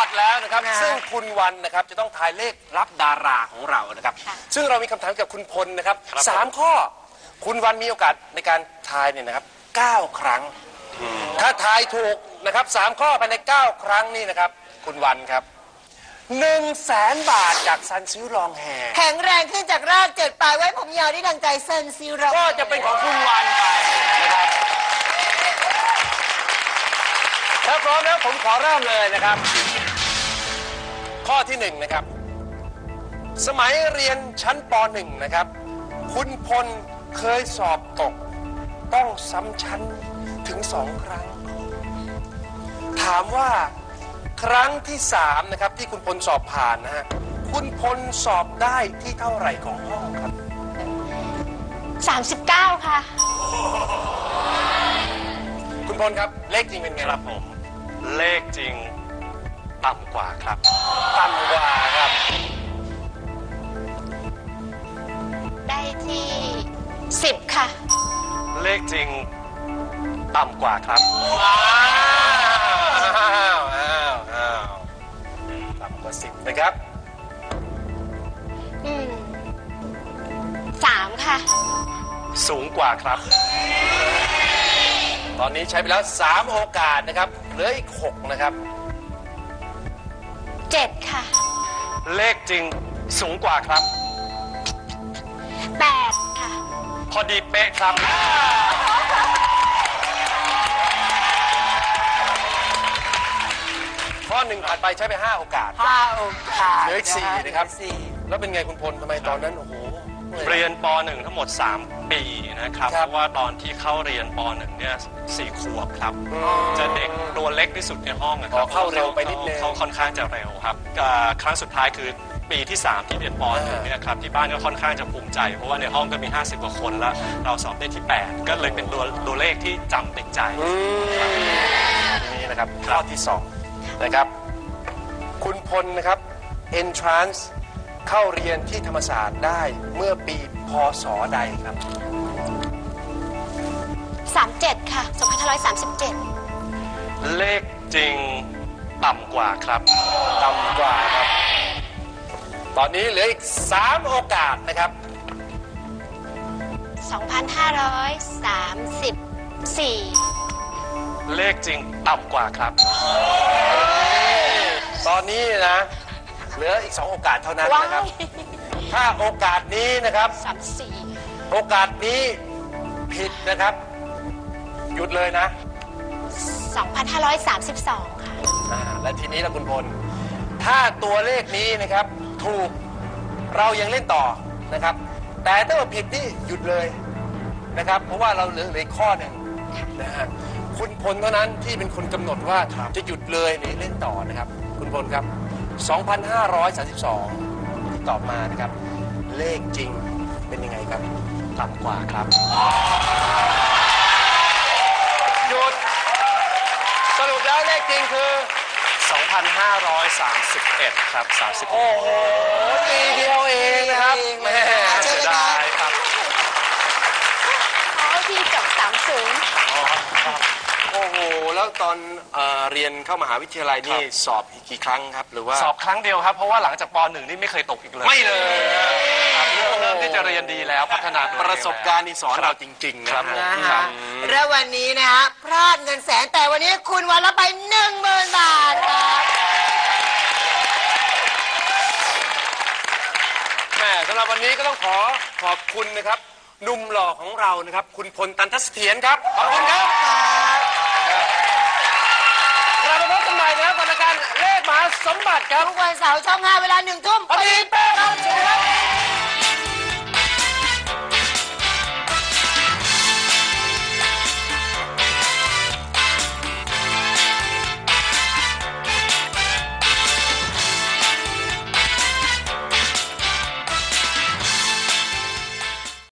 ทแล้วนะครับซึ่งคุณวันนะครับจะต้องทายเลขรับดาราของเรานะครับซึ่งเรามีคำถามกับคุณพลนะครับ3 ข้อคุณวันมีโอกาสในการทายเนี่ยนะครับ9 ครั้งถ้าทายถูกนะครับ3 ข้อภายใน9 ครั้งนี่นะครับคุณวันครับ100,000 บาทจากซันซิลลองแฮแข็งแรงขึ้นจากราก7 ปลายไว้ผมยาวได้ดังใจเซนซิลเราก็จะเป็นของคุณวันไปนะครับถ้าพร้อมแล้วผมขอเริ่มเลยนะครับข้อที่1นะครับสมัยเรียนชั้นป .1 นะครับคุณพลเคยสอบตกต้องซ้ำชั้นถึง2 ครั้งถามว่าครั้งที่3นะครับที่คุณพลสอบผ่านนะฮะคุณพลสอบได้ที่เท่าไหร่ของห้องครับ 39ค่ะคุณพลครับเลขจริงเป็นไงครับผมเลขจริงต่ำกว่าครับต่ำกว่าครับได้ที่10ค่ะเลขจริงต่ำกว่าครับต่ำกว่า10นะครับ 3ค่ะสูงกว่าครับตอนนี้ใช้ไปแล้ว3 โอกาสนะครับเหลืออีก6นะครับ 7ค่ะเลขจริงสูงกว่าครับ 8ค่ะพอดีเป๊ะครับข้อ1ผ่านไปใช้ไป5 โอกาสเหลืออีก4นะครับแล้วเป็นไงคุณพลทำไมตอนนั้นโอ้โหเรียนป .1 ทั้งหมด3 ปีนะครับเพราะว่าตอนที่เข้าเรียนป .1 เนี่ย4 ขวบครับจะเด็กตัวเล็กที่สุดในห้องนะครับเข้าเร็วไปนิดนึงเขาค่อนข้างจะเร็วครับครั้งสุดท้ายคือปีที่3ที่เรียนป .1 เนี่ยครับที่บ้านก็ค่อนข้างจะภูมิใจเพราะว่าในห้องก็มี50 กว่าคนแล้วเราสอบได้ที่8ก็เลยเป็นตัวเลขที่จำติดใจนี่นะครับข้อที่2นะครับคุณพลนะครับ entrance เข้าเรียนที่ธรรมศาสตร์ได้เมื่อปีพ.ศ. ใดครับ 37ค่ะ2537 เลขจริงต่ำกว่าครับต่ำกว่าครับตอนนี้เหลืออีก3 โอกาสนะครับ 2534 เลขจริงต่ำกว่าครับตอนนี้นะเหลืออีก2 โอกาสเท่านั้นนะครับถ้าโอกาสนี้นะครับ 34 โอกาสนี้ผิดนะครับหยุดเลยนะ 2532ค่ะและทีนี้ล่ะคุณพลถ้าตัวเลขนี้นะครับถูกเรายังเล่นต่อนะครับแต่ถ้าว่าผิดนี่หยุดเลยนะครับเพราะว่าเราเหลืออีกข้อหนึ่งนะฮะคุณพลเท่านั้นที่เป็นคนกำหนดว่าจะหยุดเลยหรือเล่นต่อนะครับคุณพลครับ2532ที่ตอบมานะครับเลขจริงเป็นยังไงครับต่ำกว่าครับหยุดสรุปแล้วเลขจริงคือ 2531ครับ31 โอ้โหปีเดียวเองนะครับแม่เสียดายครับที่จบ30 โอ้โหแล้วตอนเรียนเข้ามหาวิทยาลัยนี่สอบอีกกี่ครั้งครับหรือว่าสอบครั้งเดียวครับเพราะว่าหลังจากป .1 นี่ไม่เคยตกอีกเลยไม่เลยเริ่มที่จะเรียนดีแล้วพัฒนาประสบการณ์นี่สอนเราจริงๆนะครับและวันนี้นะฮะพลาดเงินแสนแต่วันนี้คุณวันละไป 10,000 บาทครับแม่สำหรับวันนี้ก็ต้องขอบคุณนะครับหนุ่มหล่อของเรานะครับคุณพลตันทเสถียรครับขอบคุณครับเรามาพบกันใหม่นะครับกับรายการเลขมหาสมบัติครับทุกวันเสาร์ช่อง 5 เวลา 1 ทุ่มพอดีเป๊ะครับ